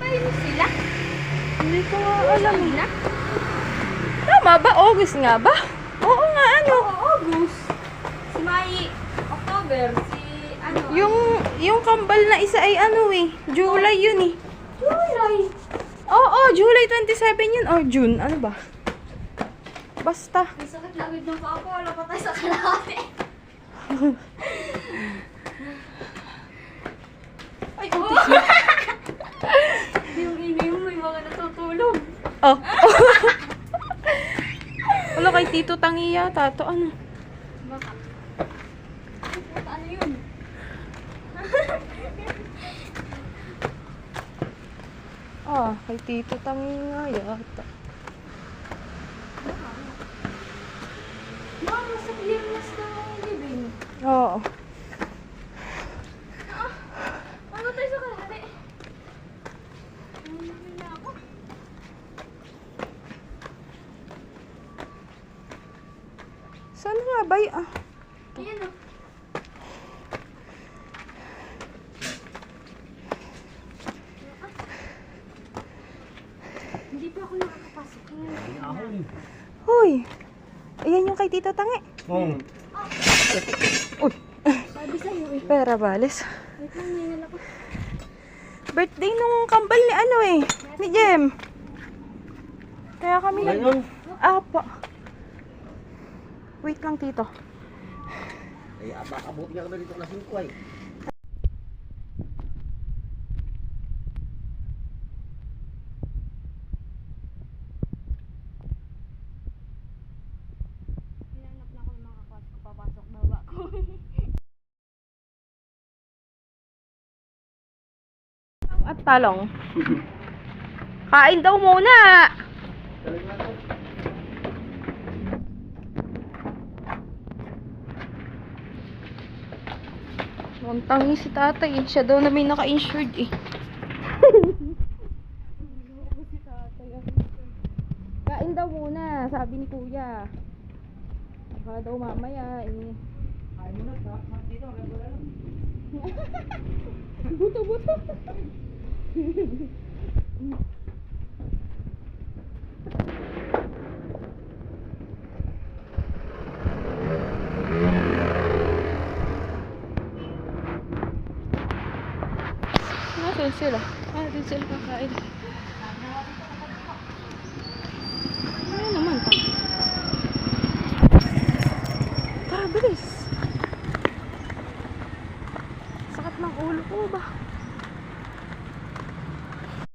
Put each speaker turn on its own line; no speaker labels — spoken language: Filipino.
Ayun sila.
Hindi ko nga alam.
Na?
Tama ba? August nga ba? Oo nga, ano?
August. Si May October. Si ano?
Yung kambal na isa ay ano eh. July yun eh.
July.
Oo, July 27 yun. Or June. Ano ba? Basta.
Ang sakit lagid ng paa ko. Wala pa tayo sa kalahati. Ay, utis mo. Yung ingay mo, may mga natutulog.
Oh. Wala kay Tito Tangi yata. To ano?
Baka. Ay, puta, ano yun?
Kay Tito Tangi nga yata.
Mama, sa clearness na ang living.
Oo.
Ano tayo sa kalahati? Nangyayari na ako.
Saan nga ba yun?
Ayan o. Hindi pa ako nakakapasok.
Hoy. Ayan yung kay Tito Tangi.
Oo.
Uy.
Sabi sa'yo eh.
Pera balis.
Wait lang, may nalako.
Birthday nung kambal ni ano eh. Ni Jem. Kaya kami
Ngayon?
Apa. Wait lang, Tito.
Ay, abuti nga kami dito na 5 ay.
Hinanap na ako ng mga kakwas ko. Papasok baba ko.
At talong. Kain daw muna. Ang tangi si tatay eh. Siya daw na may naka-insured eh. Kain daw muna, sabi ni kuya. Baka daw mamaya eh.
Kain mo na, dito, wala lang.
Buto-buto. Nasaan sila? Din sila kakain.